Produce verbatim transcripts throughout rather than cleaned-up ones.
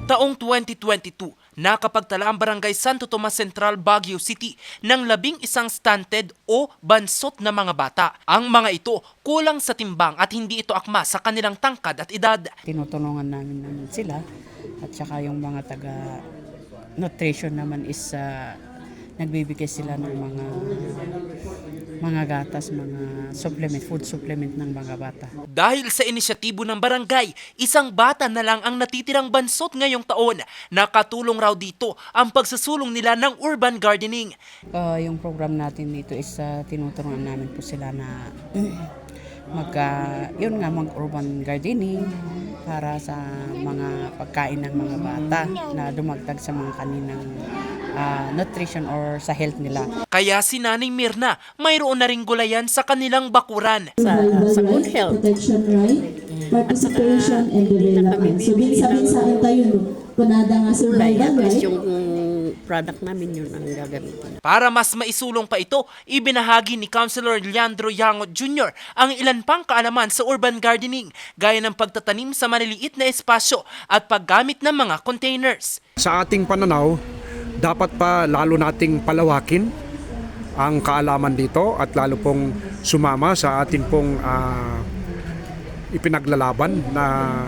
Taong twenty twenty-two, nakapagtala ang Barangay Santo Tomas Central, Baguio City ng labing isang stunted o bansot na mga bata. Ang mga ito kulang sa timbang at hindi ito akma sa kanilang tangkad at edad. Tinutulungan namin namin sila at saka yung mga taga nutrition naman is uh, nagbibigay sila ng mga mga gatas, mga supplement, food supplement ng mga bata. Dahil sa inisyatibo ng barangay, isang bata na lang ang natitirang bansot ngayong taon. Nakatulong raw dito ang pagsasulong nila ng urban gardening. Uh, yung program natin dito is uh, tinutulungan namin po sila na mag, uh, yun nga, mag-urban gardening para sa mga pagkain ng mga bata na dumagdag sa mga kaninang uh, nutrition or sa health nila. Kaya si Nanay Mirna, mayroon na ring gulayan sa kanilang bakuran. Sa, sa good health. Protection right, participation and development. So, binsa-binsain tayo, no? Kunada nga sa Kulay, urban, at right? least yung product namin yun ang gagamitin. Para mas maisulong pa ito, ibinahagi ni Councilor Leandro Yangot Junior ang ilan pang kaalaman sa urban gardening, gaya ng pagtatanim sa maliliit na espasyo at paggamit ng mga containers. Sa ating pananaw, dapat pa lalo nating palawakin ang kaalaman dito at lalo pong sumama sa ating pong uh, ipinaglalaban na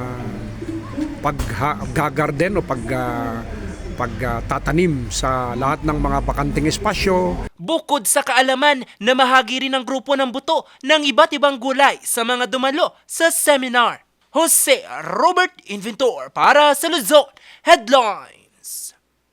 pag-garden o pag uh, pagtatanim uh, sa lahat ng mga bakanting espasyo. Bukod sa kaalaman, namahagi rin ang grupo ng buto ng iba't ibang gulay sa mga dumalo sa seminar. Jose Robert Inventor para sa Luzon Headlines.